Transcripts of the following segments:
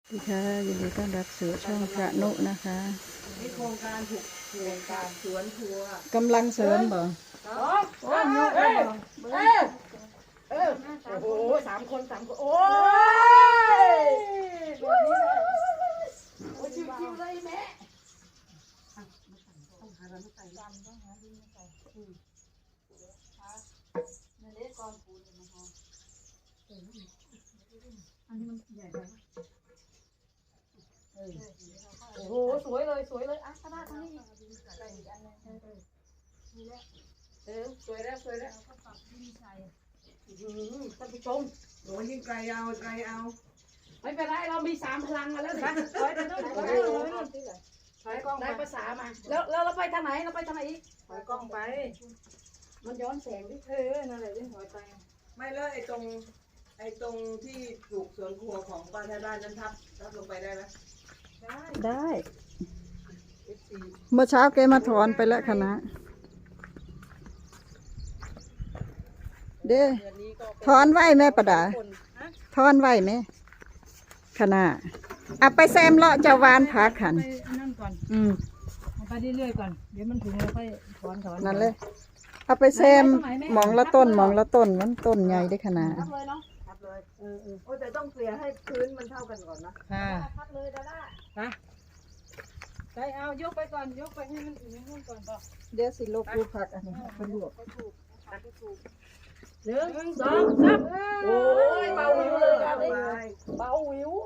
ดีค่ะยินดีต้อนรับสู่ช่องพระนุนะคะมีโครงการถูกโครงการสวนทัวร์กำลังเสริมบ่โอ้โหโอ้โหสามคนโอ้ยโอ้ยชิวๆเลยแม่ต้องหาอะไรมาใส่ต้องหาดินมาใส่นั่นเล็กก้อนปูนมาหอมอันนี้มันใหญ่ไปโอ้โหสวยเลยอ่ะขนาดนี้ใส่อีกอันนึงสวยแล้วก็ปรับดินใส่ท่านผู้ชมโอ้ยิ่งไกลเอาไม่เป็นไรเรามี3 พลังมาแล้วนะถอยไปนู่นถอยกล้องได้ภาษามาแล้วเราไปทางไหนอีกถอยกล้องไปมันย้อนแสงดินั่นแหละที่ถอยไปไม่เลยไอ้ตรงที่ปลูกสวนครัวของป้าไทยบ้านนั้นทับลงไปได้ไหมได้เมื่อเช้าแกมาถอนไปแล้วคณะเด้ถอนไหวแม่ประดาถอนไหวไหมคณะเอาไปแซมเลาะเจ้าวานผาขันนั่นก่อนไปเรื่อยๆก่อนเดี๋ยวมันถึงเราค่อยถอนนั่นเลยเอาไปแซมมองละต้นมันต้นใหญ่ได้ขนาดทับเลยเนาะทับเลยโอ้แต่ต้องเกลี่ยให้พื้นมันเท่ากันก่อนนะทับเลยดาด้าไปเอายกไปก่อนยกไปให้มันถึงนู่นก่อนป่ะเดี๋ยวสิลบรูปผักอันนี้เป็นลวก 1 2 3โอ้ยเบาวิวเลยครับเบาวิว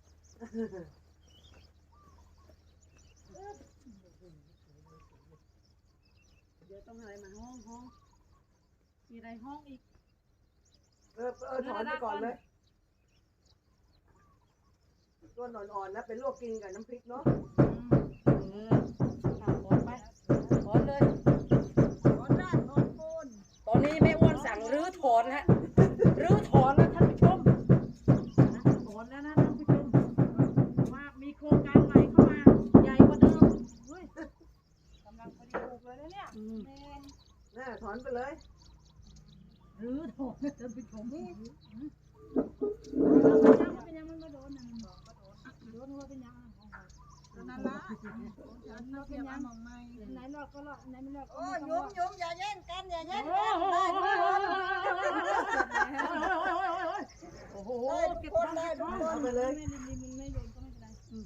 เดี๋ยวต้องอะไรมาห้องมีอะไรห้องอีกถอนไปก่อนเลยต้นอ่อนๆนะเป็นลวกกินกับน้ำพริกเนาะถอนไปถอนเลยตอนนี้แม่อ้วนสั่งรื้อถอนฮะรื้อถอนแล้วท่านผู้ชมถอนแล้วนะท่านผู้ชมว่ามีโครงการใหม่เข้ามาใหญ่กว่าเดิมกำลังพอดีปลูกเลยนะเนี่ยน่าถอนไปเลยรื้อถอนท่านผู้ชมนี่เป็นยังมันมาโดนนะมันบอกมาโดนว่าเป็นยังนั่นละฉันเราเป็นยังมองไม่ไหนนอกก็หรอกไหนไม่นอกโอ้ยุ่มอย่าแย่งกันโอ้โหเก็บได้ทุกคนไปเลยไม่โยนก็ไม่เป็นไร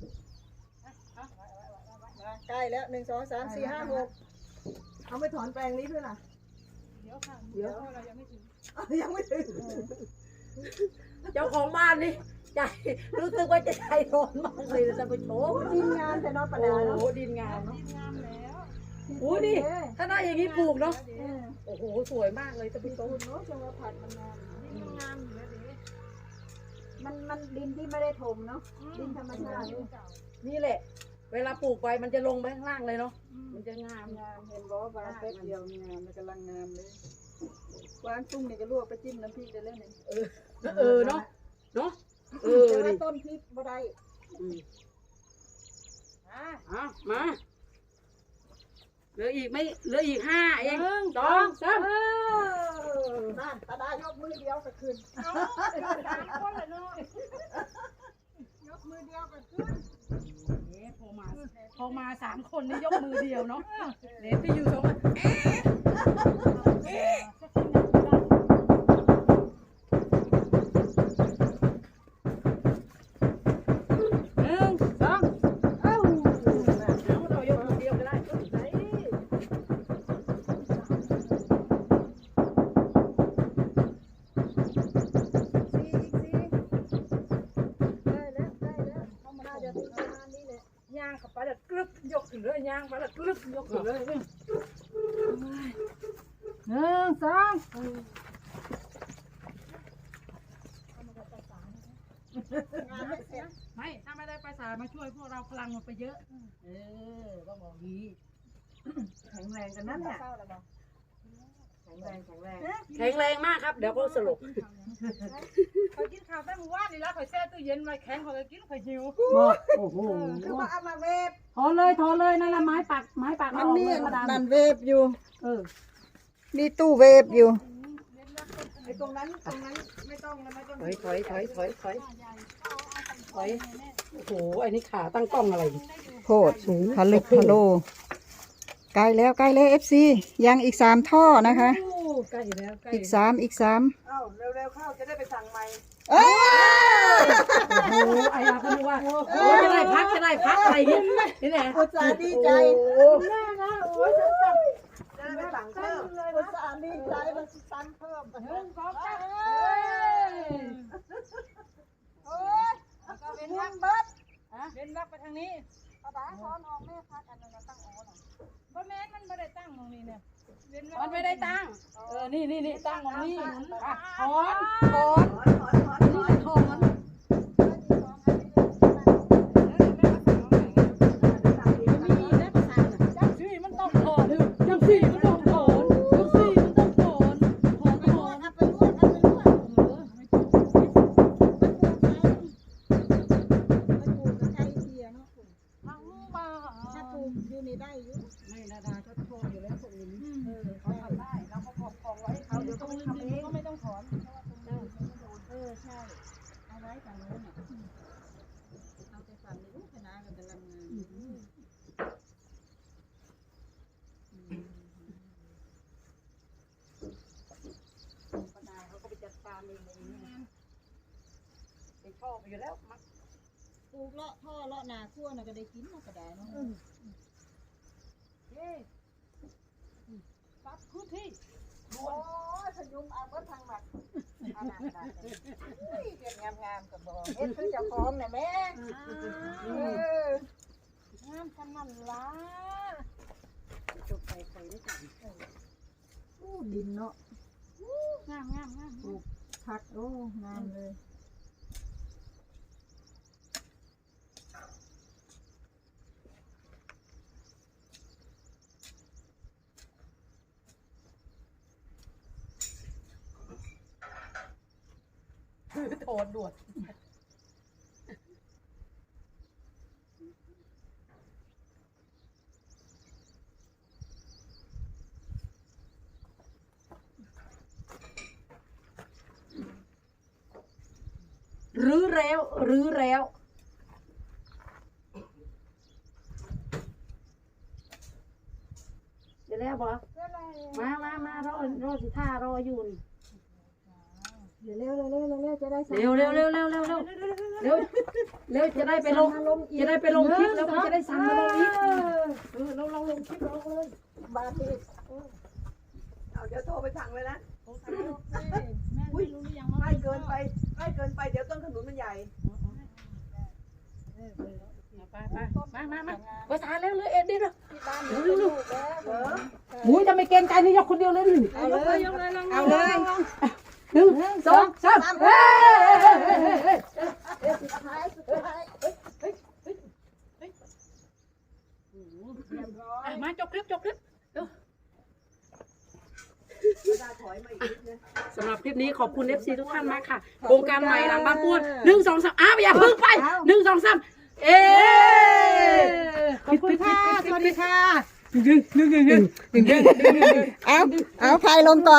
ใกล้แล้ว1 2 3 4 5 6เอาไปถอนแปลงนี้ด้วยล่ะเดี๋ยวเรายังไม่ถึงเจ้าของบ้านนี่ใจรู้สึกว่าจะใจร้อนมากเลยนะท่านผู้ชมดินงามแต่นอนประดาโอ้ดินงามเนาะแล้วโอ้นี่ถ้าได้อย่างนี้ปลูกเนาะโอ้โหสวยมากเลยท่านผู้ชมเนาะจังหวะผัดมันงามดินงามอยู่แล้วดิมันดินที่ไม่ได้ถมเนาะดินธรรมชาตินี่แหละเวลาปลูกไปมันจะลงไปข้างล่างเลยเนาะมันจะงามเห็นบอกว่าแป๊บเดียวงามมันกำลังงามเลยกวางตุ้งนี่ก็ลวกไปจิ้มน้ำพริกได้เลยเนี่ยเนาะแต่ต้นพริกบ่ได้มาเหลืออีก5เอง1 2 3 นั่นตาดายกมือเดียวก็ขึ้นคนเลยเนาะยกมือเดียวก็ขึ้นพอมา3 คนนี่ยกมือเดียวเนาะเหลือที่อยู่2ย่างเข้าไปแล้วกรึบยกขึ้นเลยย่างไปแล้วกรึบยกขึ้นเลย1 2ไม่ถ้าไม่ได้ไปสายมาช่วยพวกเราพลังมันไปเยอะต้องบอกดีแข็งแรงกันนั่นแหละแข็งแรงมากครับเดี๋ยวก็สลบคอยกินข้าวแต่เมื่อวานนี่แล้วคอยแช่ตู้เย็นไว้แข็งคอยกินคอยหิวโอ้โหคือว่าเอามาเวฟถอนเลยนั่นละไม้ปักมันมีนั่นเวฟอยู่มีตู้เวฟอยู่ไอ้ตรงนั้นไม่ต้องถอยโอ้โหไอ้นี่ขาตั้งกล้องอะไรนี่โพดพะลึกพะโลใกล้แล้วเอฟซียังอีก3 ท่อนะคะโอ้ใกล้แล้วใกล้อีก3 เอ้าเร็วๆเข้าจะได้ไปสั่งใหม่เอ้ยโอ้โหไอ้อาเขาบอกว่าโอ้จะได้พักอะไรเงี้ยนี่แหละอุตส่าห์ดีใจโอ้โหแม่นะโอ้ยจะได้ไปสั่งเพิ่มอุตส่าห์ดีใจมันสั่งเพิ่มโอ้ยก็เป็นทางเบิดเล่นรักไปทางนี้ภาษาถอนออกแม่พักอันนั้นตั้งโอ้น่ะบ่แม่นมันบ่ได้ตั้งตรงนี้เนี่ยเว้นมันไม่ได้ตั้งนี่ตั้งตรงนี้อ่ะถอนถอนถอนนี่นะภาษาจังสี่มันต้องถอนจังสี่มันต้องถอนจังสี่มันต้องถอนถอนเอาไปลวกเอาไปลวกมันปลูกไกับไก่เทียเนาะทั้งมาถ้าปลูกอยู่นี่ได้อยู่ไม่นาดาก็โทษอยู่แล้วพวกนี้เขาทำได้เราก็ปกครองไว้เขาเดี๋ยวต้องทำเองก็ไม่ต้องถอนใช่เอาไว้ฝั่งโน้นน่ะเอาไปฝั่งนี้ลูกคณะกันกำลังงานปนาเขาก็ไปจัดการเองเลยเป็นพ่อไปอยู่แล้วมักปลูกเลาะท่อเลาะนาขั้วน่ะก็ได้กินน่ะก็ได้เนาะเย้ปั๊บพื้นที่โอ้ยพยุงเอาเบิดทางหมักเอาหนักได้เก็บงามๆกับบ่เฮ็ดคือเจ้าของน่ะแม่งามขนาดล่ะจบไปใครได้จังดินเนาะงามผักโอ้งามเลยโทษด่วนรื้อแล้วเดี๋ยวแล้วบอมารอสิท่ารออยู่นี่เร็วจะได้เร็วจะได้ไปลงคลิปแล้วก็จะได้สั่งมาลงอีกเราลงคลิปลงเลยบาทอีกเอาเดี๋ยวโทรไปสั่งเลยนะแม่รู้หรือยังว่าใกล้เกินไปเดี๋ยวต้นขนุนมันใหญ่มาภาษาเร็วเลยเอ็ดดิเร็วที่บ้านมีลูกแล้วหมูจะไม่เกรงใจนี่ยกคนเดียวเลยนี่เอาเลยเอาเลย 1 2 3เฮ้ยสุดท้ายมาจบคลิป สำหรับคลิปนี้ขอบคุณ FC ทุกท่านมากค่ะโครงการใหม่หลังบ้านป้วน1 2 3อย่าเพิ่งไป1 2 3ขอบคุณค่ะสวัสดีค่ะเอาพายลงก่อน